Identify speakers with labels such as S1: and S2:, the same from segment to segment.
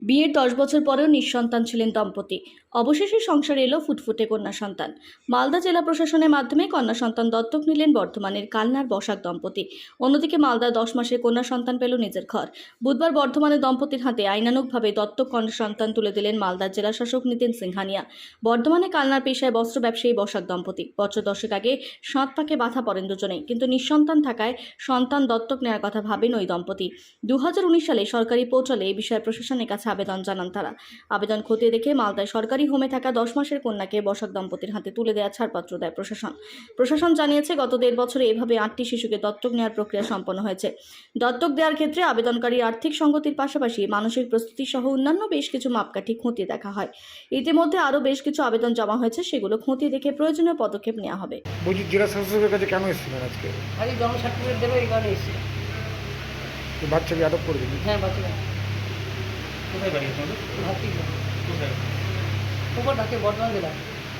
S1: বিয়ের 10 বছর পরেও নিঃসন্তান ছিলেন দম্পতি। অবশেষে সংসারে এলো ফুটফুটে কন্যা সন্তান। মালদা জেলা প্রশাসনের মাধ্যমে কন্যা সন্তান দত্তক নিলেন বর্ধমানের কালনার বসাক দম্পতি। অন্যদিকে মালদায় 10 মাসের কন্যা সন্তান পেল নিজের ঘর। বুধবার বর্ধমানের দম্পতির হাতে আইনানুগভাবে দত্তক কন্যা সন্তান তুলে দিলেন মালদার জেলা শাসক নিতিন সিংহানিয়া। বর্ধমানে কালনার পেশায় বস্ত্র ব্যবসায়ী বসাক দম্পতি। বছর 10 আগে সাত পাকে বাধা পড়েন দুজনেই, কিন্তু নিঃসন্তান থাকায় সন্তান দত্তক নেওয়ার কথা ভাবেন ওই দম্পতি। 2019 সালে সরকারি পোর্টালে এই বিষয়ে প্রশাসনের কাছে আবেদন জানান তারা। আবেদন খতিয়ে দেখে মালদায় সরকারি হোমে থাকা 10 মাসের কন্যাকে বসাক দম্পতির হাতে তুলে দেওয়ার ছাড়পত্র দেয় প্রশাসন জানিয়েছে, গত 1.5 বছরে এভাবে 8টি শিশুকে দত্তক নেওয়ার প্রক্রিয়া সম্পন্ন হয়েছে। দত্তক দেওয়ার ক্ষেত্রে আবেদনকারীর আর্থিক সঙ্গতির পাশাপাশি মানসিক প্রস্তুতি সহ অন্যান্য বেশ কিছু মাপকাঠি খতিয়ে দেখা হয়। ইতিমধ্যে আরও বেশ কিছু আবেদন জমা হয়েছে, সেগুলো খতিয়ে দেখে প্রয়োজনীয় পদক্ষেপ নেওয়া হবে।
S2: বলছি, জেলা শাসকের কাছে কেন এসেছিলেন আজকে?
S3: আজকে জন্ম সার্টিফিকেট দেবে এই কারণে এসেছি।
S2: বাচ্চাকে আটক করে দিলেন?
S3: হ্যাঁ, বাচ্চারা
S4: কোথায় বাড়ি আপনাদের?
S3: ভাবছি
S4: কোথায়?
S3: উপর থাকে বর্ধমান জেলা।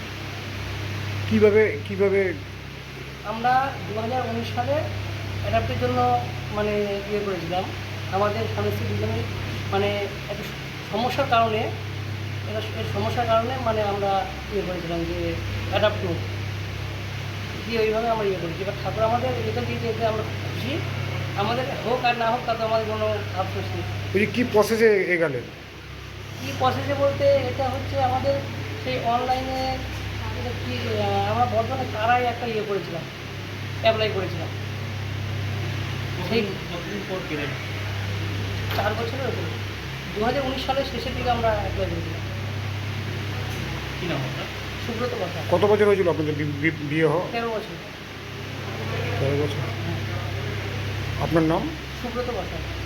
S2: কিভাবে
S3: আমরা 2019 সালে অ্যাডাপ্টের জন্য মানে করেছিলাম। আমাদের স্বামী স্ত্রী দুজনেই মানে একটা সমস্যার কারণে এর সমস্যার কারণে মানে আমরা করেছিলাম যে অ্যাডাপ্ট করব দিয়ে ওইভাবে আমরা করেছি। এবার ঠাকুর আমাদের এটা দিয়ে যেতে আমরা খুশি। আমাদের হোক আর না হোক তাতে আমাদের কোনো আফসোস নেই।
S2: বলছি, কি প্রসেসে এগালেন?
S3: কী প্রসেসে বলতে এটা হচ্ছে আমাদের সেই অনলাইনে এটা কি আমরা বর্ধমানে তারাই একটা করেছিলাম, অ্যাপ্লাই করেছিলাম। সেই
S4: কতদিন পর পেলেন?
S3: 4 বছরের ওপরে 2019 সালের শেষের দিকে আমরা অ্যাপ্লাই করেছিলাম।
S4: কি নাম আপনার?
S3: সুব্রত কথা।
S2: কত বছর হয়েছিল আপনাদের বিয়ে হওয়া?
S3: 13 বছর।
S2: 13 বছর। আপনার নাম?
S3: সুব্রত কথা।